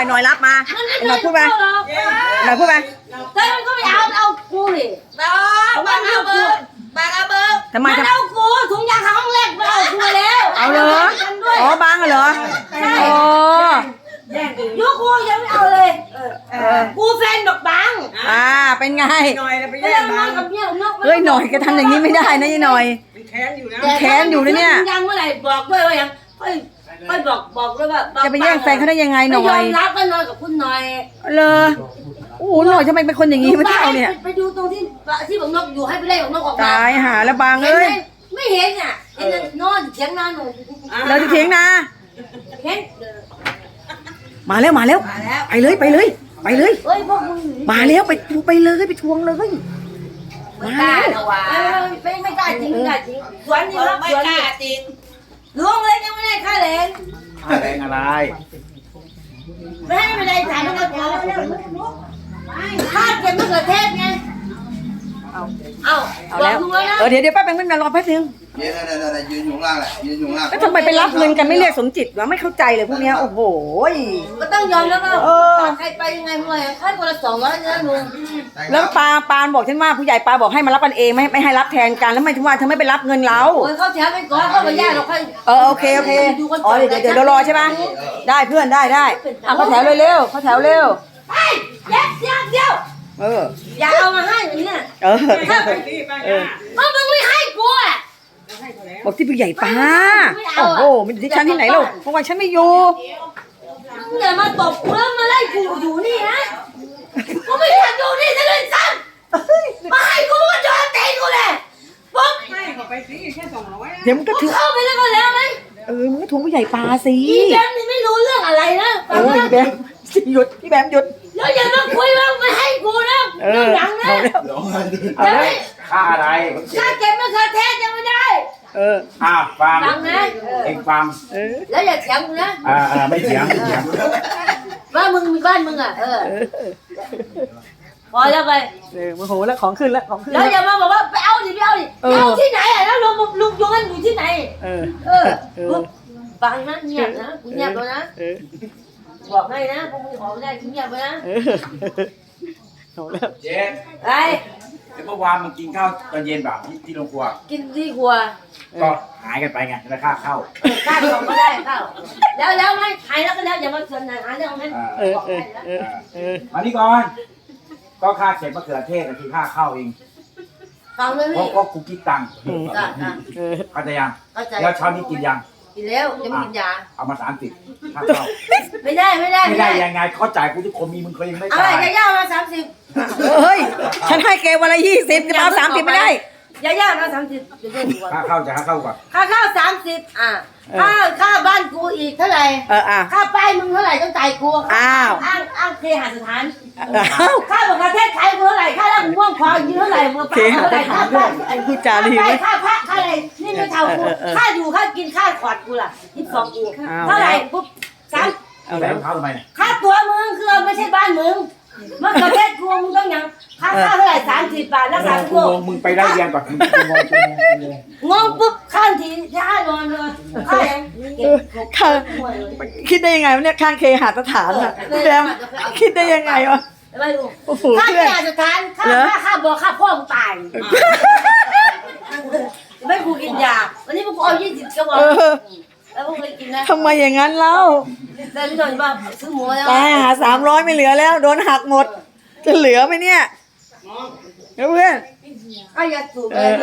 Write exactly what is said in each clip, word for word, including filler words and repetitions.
หน่อยรับมาหน่อยพูดไปหน่อยพูดไปเฮ้ยมันก็ไม่เอาเอากูดิบ้าบ้าเอาเบอร์บ้าเอาเบอร์ทำไมมันเอากูถุงยางห้องแรกมันเอากูแล้วเอาเลยอ๋อบางเหรอใช่โอ้ยุกูยังไม่เอาเลยกูแฟนบอกบางอ่าเป็นไงหน่อยไปแย่แย่งงมาบางกับเนี่ยนกเฮ้ยหน่อยก็ทำอย่างนี้ไม่ได้นะยี่หน่อยมันแค้นอยู่นะแค้นอยู่นะเนี่ยยังเมื่อไหร่บอกด้วยว่ายังค่อยค่อยบอกบอกด้วยว่าจะไปแย่งแฟนเขาได้ยังไงหน่อยยอมรับก็นอนกับคุณหน่อยเลยโอ้โหหน่อยทำไมเป็นคนอย่างนี้ไม่เท่าเนี่ยไปดูตรงที่ที่บอกนกอยู่ให้ไปไล่บอกนกออกมาตายหาแล้วบางเอ้ยไม่เห็นอ่ะเห็นนอนเถียงนาหนูเราจะเถียงนาเห็นมาแล้วมาแล้วไปเลยไปเลยไปเลยเฮ้ยพวกมึงมาแล้วไปไปเลยไปทวงเลยไม่กล้าหรอวะไม่ไม่กล้าจริงไม่กล้าจริงสวนนี่รับสวนนี่จริงล้วงเลยยังไม่ได้ค่าแรงค่าแรงอะไรไม่ให้ไม่ได้จ่ายไม่ได้จ่ายค่าเก็บมะเขือเทศไงเอาเอาเอาแล้วเออเดี๋ยวเดี๋ยวแป๊บนึงไม่นานรอแป๊บนึงเดี๋ยวเดี๋ยวเดี๋ยวยืนอยู่ล่างแหละยืนอยู่ล่างแล้วทำไมไปรับเงินกันไม่เรียกสมจิตวะไม่เข้าใจเลยพวกนี้โอ้โหก็ต้องยอมแล้วก็ใครไปยังไงเมื่อไหร่ค่าคนละสองร้อยนะลุงแล้วปาปานบอกฉันว่าผู้ใหญ่ปาบอกให้มารับกันเองไม่ไม่ให้รับแทนกันแล้วทำไมถึงว่าเธอไม่ไปรับเงินเราโอ้ยเขาแถวไปก่อนเขาไปย่าเราค่อยเออโอเคโอเคอ๋อเดี๋ยวเดี๋ยวรอใช่ไหมได้เพื่อนได้ได้อ่ะเขาแถวเร็วเขาแถวเร็วไอ้เดี๋ยวเดี๋ยวเดี๋ยวเอออย่าเอามาให้อย่างเนี้ยเออเออเพราะมึงไม่ให้กูอ่ะบอกที่ผู้ใหญ่ป้าโอ้โหมันที่ฉันที่ไหนลูกเพราะว่าฉันไม่อยู่มึงอย่ามาตบกูแล้วมาไล่กูอยู่นี่นะกูไม่อยากอยู่นี่จะเล่นซ้ำมาให้กูก็จอดเตะกูเลยปุ๊บให้เขาไปสิแค่สองร้อยเดี๋ยวมึงก็ถือเข้าไปแล้วก็แล้วไหมเออมึงก็ทวงผู้ใหญ่ป้าสิพี่แบมนี่ไม่รู้เรื่องอะไรนะเออพี่แบมหยุดพี่แบมหยุดแล้วอย่ามาคุยว่าไม่ให้กูนะเรื่องหลังนะเอาแล้วค่าอะไรค่าเก็บมะเขือเทศยังไม่ได้เอออ่าฟังฟังนะเองฟังแล้วอย่าเถียงกูนะอ่าอ่าไม่เถียงไม่เถียงว่ามึงมีบ้านมึงอ่ะเออพอแล้วไปเออโมโหแล้วของขึ้นแล้วของขึ้นแล้วอย่ามาบอกว่าไปเอาดิไปเอาดิเอาที่ไหนอ่ะแล้วลุงลุงยงกันอยู่ที่ไหนเออเออฟังนะเงียบนะกูเงียบแล้วนะบอกให้นะพวกมึงออกได้กูเงียบไปนะเอาแล้วเจ๊ไอ้เมื่อวานมึงกินข้าวตอนเย็นแบบที่ที่โรงครัวกินที่ครัวก็หายกันไปไงแล้วค่าเข้าค่าของก็ได้เข้าแล้วแล้วไม่หายแล้วก็แล้วอย่ามาชวนหาเรื่องนั้นเออเออเออเออมานี่ก่อนก็ค่าเก็บมะเขือเทศคือค่าเข้าเองฟังเลยเพราะว่ากูคิดตังค์เข้าใจยังแล้วช้อนนี้กินยังกินแล้วยังไม่กินยาเอามาสามสิบค่าเข้าไม่ได้ไม่ได้ไม่ได้ยังไงเขาจ่ายกูทุกคนมีมึงเคยยังไม่จ่ายอะไรย่ามาสามสิบเฮ้ยฉันให้แกวันละยี่สิบจะเอาสามสิบไม่ได้ย่าย่ามาสามสิบค่าเข้าจะค่าเข้าก่อนค่าเข้าสามสิบอ่ะค่าค่าบ้านกูอีกเท่าไหร่เอออ่ะค่าป้ายมึงเท่าไหร่ต้องจ่ายกูอ้าวอ้างอ้างเคหสถานค่าประเทศไทยกูเท่าไหร่ค่าแล้วมึงว่างควายเท่าไหร่มึงป้าเท่าไหร่ค่าบ้านไอ้ผู้จารีค่าพระค่าอะไรนี่ไม่เท่ากูค่าอยู่ค่ากินค่าขอดกูล่ะยี่สิบสองกูเท่าไหร่ปุ๊บสามเอาแล้วเข้าทำไมเนี่ยค่าตัวมึงคือไม่ใช่บ้านมึงมะเขือเทศกูมึงต้องยังค่าข้าวเท่าไหร่สามสิบบาทแล้วสามกูมึงไปได้เรียนก่อนงงปุ๊บข้างทีท่านอนเลยข้ายังข้าคิดได้ยังไงวะเนี่ยข้างเคหสถานอ่ะแบมคิดได้ยังไงวะไม่รู้ข้าเคหสถานข้าข้าข้าบอกข้าพ่อมึงตายไม่กูกินยาวันนี้พวกกูเอายี่สิบกระบอกแล้วพวกกูกินนะทำไมอย่างนั้นเล่าแต่ที่โดนบ้าซื้อหมูแล้วตายหาสามร้อยไม่เหลือแล้วโดนหักหมดจะเหลือไหมเนี่ยเพื่อนไอ้ยาสูบเลย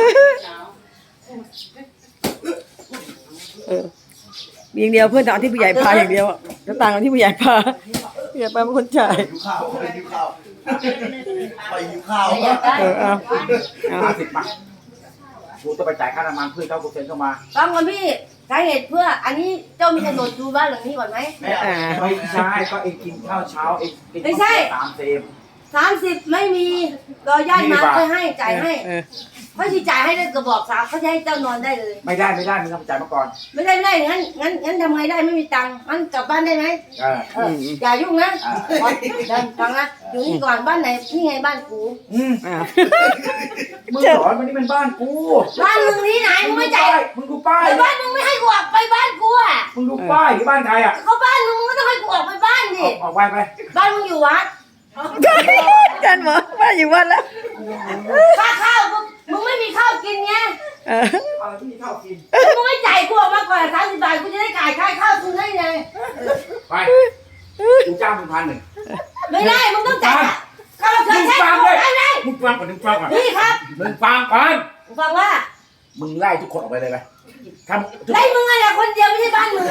เออมีอย่างเดียวเพื่อนแต่เอาที่ผู้ใหญ่พาอย่างเดียวจะต่างกันที่ผู้ใหญ่พาผู้ใหญ่พาเป็นคนจ่ายหิวข้าวไปหิวข้าวไปหิวข้าวเออเอาห้าสิบบาทกูต้องไปจ่ายค่าน้ำมันเพื่อเข้าเปอร์เซ็นต์เข้ามาฟังก่อนพี่สาเหตุเพื่ออันนี้เจ้ามีโฉนดดูบ้านหลังนี้ก่อนไหมไม่ใช่ก็เองกินข้าวเช้าเองไม่ใช่สามเซมสามสิบไม่มีรอญาติมาค่อยให้จ่ายให้เขาจะจ่ายให้ได้กระบอกสามเขาจะให้เจ้านอนได้เลยไม่ได้ไม่ได้มึงต้องจ่ายมาก่อนไม่ได้ไม่ได้งั้นงั้นงั้นทำไงได้ไม่มีตังค์งั้นกลับบ้านได้ไหมเอออย่ายุ่งนะเดินฟังนะอยู่นี่ก่อนบ้านไหนนี่ไงบ้านกูมึงสอนมันนี่เป็นบ้านกูบ้านมึงนี่ไหนมึงไม่จ่ายมึงดูป้ายบ้านมึงไม่ให้กูออกไปบ้านกูอ่ะมึงดูป้ายที่บ้านใครอ่ะเขาบ้านมึงมึงก็ต้องให้กูออกไปบ้านดิออกออกไปไปบ้านมึงอยู่วัดกันหมอว่าอยู่วันแล้วค่าข้าวมึงมึงไม่มีข้าวกินไงเอออะไรที่มีข้าวกินมึงไม่จ่ายกูออกมาก่อนสามสิบบาทกูจะได้จ่ายค่าข้าวคุณได้ไงไปกูจ้างมึงพันหนึ่งไม่ได้มึงต้องจ่ายค่าเราเธมึอง ใช้ฟังกูเลยได้ไงมึงฟังก่อนมึงฟังก่อนนี่ครับมึงฟังก่อนมึงฟังว่ามึงไล่ทุกคนออกไปเลยไปทำทุกไล่มึงอะไรคนเดียวไม่ใช่บ้านมึง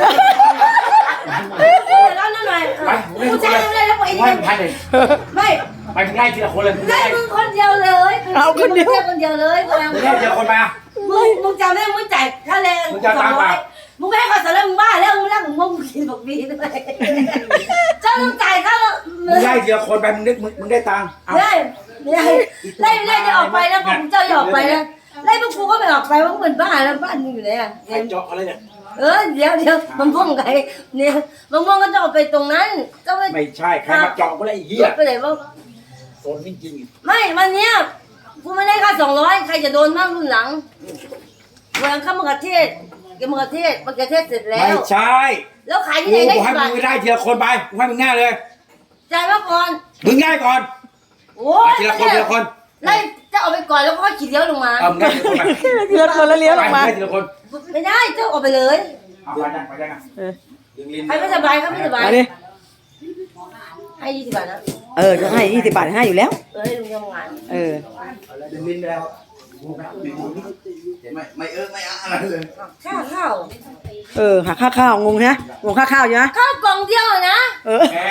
แล้วนั่นหน่อยไปกูจ่ายมึงเลยแล้วไปกูนี่ให้มึงพันหนึ่งไม่ไปมึงไล่ทีละคนเลยมึงไล่ไล่มึงคนเดียวเลยคนเดียวคนเดียวเลยมึงไล่ทีละคนมามึงมึงจำได้มึงจ่ายค่าแรงมึงจะตามมามึงไม่ให้ค่าสารมึงบ้าแล้วมึงรักมึงมึงกินบอกบีด้วยเจ้าต้องจ่ายค่ามึงไล่ทีละคนไปมึงได้มึงมึงได้ตังค์เอาไล่ไล่ไล่ไล่จะออกไปแล้วผมเจ้าจะออกไปแล้วไล่พวกกูก็ไม่ออกไปว่าเหมือนบ้าแล้วบ้านมึงอยู่ไหนอ่ะใครเจาะอะไรเนี่ยเออเดี๋ยวเดี๋ยวมันม่วงไงเนี่ยมันม่วงก็จะออกไปตรงนั้นก็ไม่ไม่ใช่ใครมาเจาะกูได้ไอ้เหี้ยไปไหนบ้างโซนจริงไม่วันเนี้ยกูไม่ได้ค่าสองร้อยใครจะโดนบ้างรุ่นหลังวันหลังข้ามะเขือเทศเกี่ยวมะเขือเทศมะเขือเทศเสร็จๆแล้ไม่วใช่แล้วขายกูที่ไหนได้กูให้กี่บาทมึงได้ทีละคนไปกูให้มึงง่ายเลยจ่ายมาก่อนมึงง่ายก่อนโอ้ยทีละคนทีละคนไล่จะออกไปก่อนแล้วก็ขี่เลี้ยวลงมาเอามึงได้ทีละคนไปทีละคนแล้วเลี้ยวลงมาไปได้ทีละคนไม่ได้เจ้าออกไปเลยเอาไปยังไปยังอ่ะเออยังลิ้นใครไม่สบายเขาไม่สบายมาดิให้ยี่สิบบาทนะเออจะให้ยี่สิบบาทให้อยู่แล้วเออให้ลุงทำงานเออยังลิ้นไปแล้วกูนะเห็นไหมไม่เออไม่อะไรเลยข้าวข้าวเออหักค่าข้าวงงนะงงค่าข้าวอยู่นะข้าวกล่องเดียวนะเออแก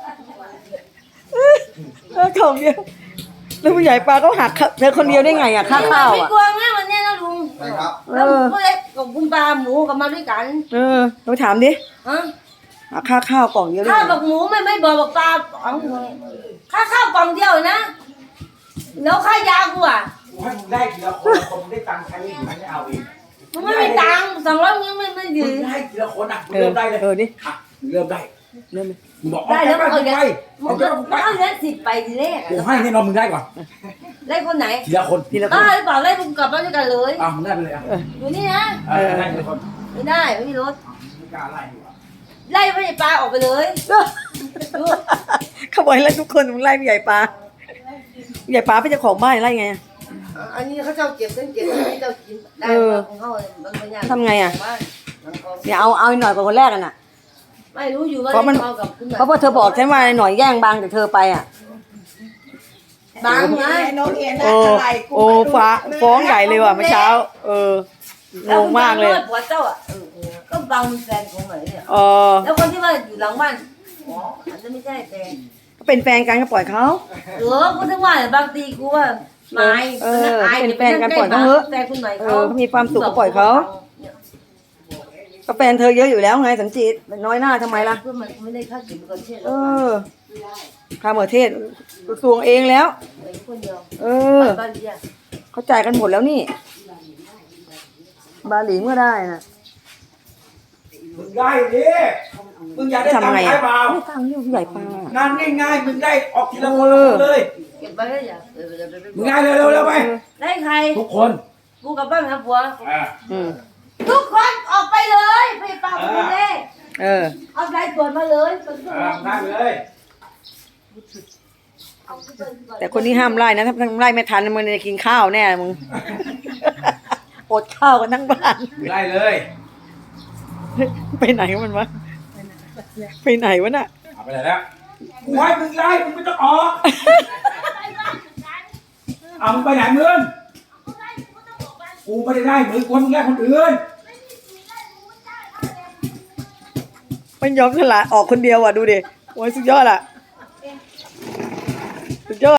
เออของเดียวแล้วผู้ใหญ่ปลาก็หักเธอคนเดียวได้ไงอ่ะค่าข้าวไม่อ่ะกลัวแม่วันนี้นะลุงใช่ครับแล้วผู้เล็กกับคุณปลาหมูกับมาด้วยกันเออเราถามดิฮะหักค่าข้าวกล่องเดียวได้ข้าวไงบอกหมูไม่ไม่บอกบอกปลาเอาค่าข้าวกล่องเดียวนะแล้วค่ายากูอ่ะกูให้มึงได้ทีละคนคนมึงได้ตังค์ใช้มึงไม่เอาเองมึงไม่มีตังค์สองร้อยมึงไม่ไม่มึยืงนได้ทีละคนอ่ะมึงเออเริ่มได้เลยเออดิอ่ะมึงเริ่มได้เริ่มเลยมึงบอกได้แล้วเอาเอาไปเดี๋ยวไปมึเอางเดี๋ยวก็ไปเอาเลี้ยสิบไปทีแรกกูให้แน่นอนมึงได้ก่อนไล่คนไหนทีละคนทีละคบ้าน หรือเปล่าไล่ลุงกลับบ้านด้วยกันเลยอ่ะมึงได้ไปเลยอ่ะอยู่นี่นะเออได้ทีละคนไม่ได้ไม่มีรถไม่กล้าไล่ดีกว่าไล่ไม่ได้ปลาออกไปเลยดูเขาบอกให้ไล่ทุกคนมึงไล่ผู้ใหญ่ปลาผู้ใหญ่ปลาเป็นเจ้าของบ้านไล่ไงอะอันนี้เขาเจ้าเก็บเส้นเก็บอันนี้เจ้ากินได้ของเขาบางอย่างทำไงอ่ะเนี่ยเอาเอาหน่อยกว่าคนแรกกันอ่ะไม่รู้อยู่ว่าเพราะมันเอากับคุณเพราะพอเธอบอกฉันว่าหน่อยแย่งบางจากเธอไปอ่ะบางไงโอ้โอ้ฟ้าฟ้องใหญ่เลยว่ะเมื่อเช้า เอองงมากเลยแล้วผัวเจ้าอ่ะก็บางเป็นแฟนของไหนเนี่ยเออแล้วคนที่ว่าอยู่หลังบ้านอ๋ออาจจะไม่ใช่แฟนเป็นแฟนกันก็ปล่อยเขาเออกูถึงว่าบางทีกูว่าไม้เออเป็นแฟนกันปล่อยเขาเถอะแฟนคุณใหม่เอเขาอเขามีความสุขก็ปล่อยเขาก็แฟนเธอเยอะอยู่แล้วไงสันจิตน้อยหน้าทำไมล่ะเพื่อมันไม่ได้ค่ากินก่อนเช่นเออข้ามประเทศกระทรวงเองแล้วไอ้คนเดียวเออบ้านเดียวเขาจ่ายกันหมดแล้วนี่ บาหลีก็ได้นะมึงได้ดิมึงอยากได้ตังทำค์ไงใช้อ่ะเปล่าไม่ตังค์อยู่ผู้ใหญ่ปลางานง่ายๆมึงได้ออกทีละคนละคนเลยเก็บไว้ได้ยังเออเดี๋ยวไปมึงง่ายเร็วๆเร็วๆไปได้ใครทุกคนกูกับบ้านหาผัวอ่าอืมทุกคนออกไปเลยไปเปล่าไปเลยเออเอาสายตรวจมาเลยตรวจอ่าได้เลยแต่คนที่ห้ามไล่นะถ้าไล่ไม่ทันมึงจะกินข้าวแน่มึง อดข้าวกันทั้งบ้านได้เลยไปไหนมันวะไปไหนวะน่ะเอาไปไหนแล้วกูให้มึงไล่มึงไม่ต้องออกเอามึงไปไหนมึงกูไม่ได้ไล่มึงกูให้มึงไล่คนอื่นมันยอมสละออกคนเดียวอ่ะดูดิโอ้ยสุดยอดอ่ะสุดยอด